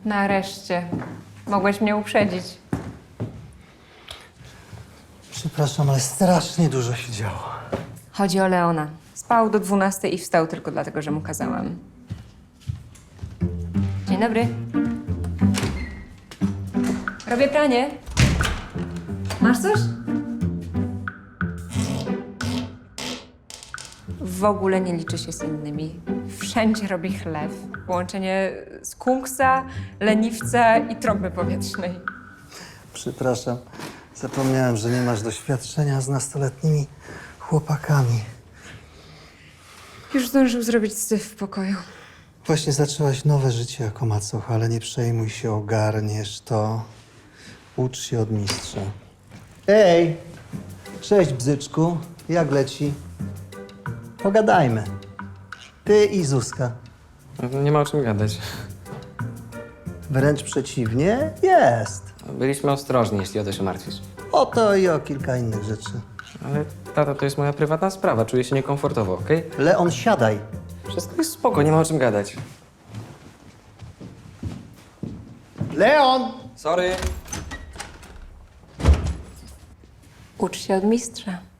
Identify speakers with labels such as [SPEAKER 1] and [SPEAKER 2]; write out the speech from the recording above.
[SPEAKER 1] Nareszcie. Mogłeś mnie uprzedzić.
[SPEAKER 2] Przepraszam, ale strasznie dużo się działo.
[SPEAKER 1] Chodzi o Leona. Spał do 12 i wstał tylko dlatego, że mu kazałam. Dzień dobry. Robię pranie. Masz coś? W ogóle nie liczy się z innymi. Wszędzie robi chlew. Połączenie skunksa, leniwca i trąby powietrznej.
[SPEAKER 2] Przepraszam, zapomniałem, że nie masz doświadczenia z nastoletnimi chłopakami.
[SPEAKER 1] Już zdążył zrobić syf w pokoju.
[SPEAKER 2] Właśnie zaczęłaś nowe życie jako macocha, ale nie przejmuj się, ogarniesz to. Ucz się od mistrza. Ej! Cześć, bzyczku. Jak leci? Pogadajmy. Ty i Zuzka.
[SPEAKER 3] Nie ma o czym gadać.
[SPEAKER 2] Wręcz przeciwnie, jest.
[SPEAKER 3] Byliśmy ostrożni, jeśli o to się martwisz.
[SPEAKER 2] O to i o kilka innych rzeczy.
[SPEAKER 3] Ale tata, to jest moja prywatna sprawa. Czuję się niekomfortowo, okej?
[SPEAKER 2] Leon, siadaj.
[SPEAKER 3] Wszystko jest spoko, nie ma o czym gadać.
[SPEAKER 2] Leon!
[SPEAKER 3] Sorry.
[SPEAKER 1] Ucz się od mistrza.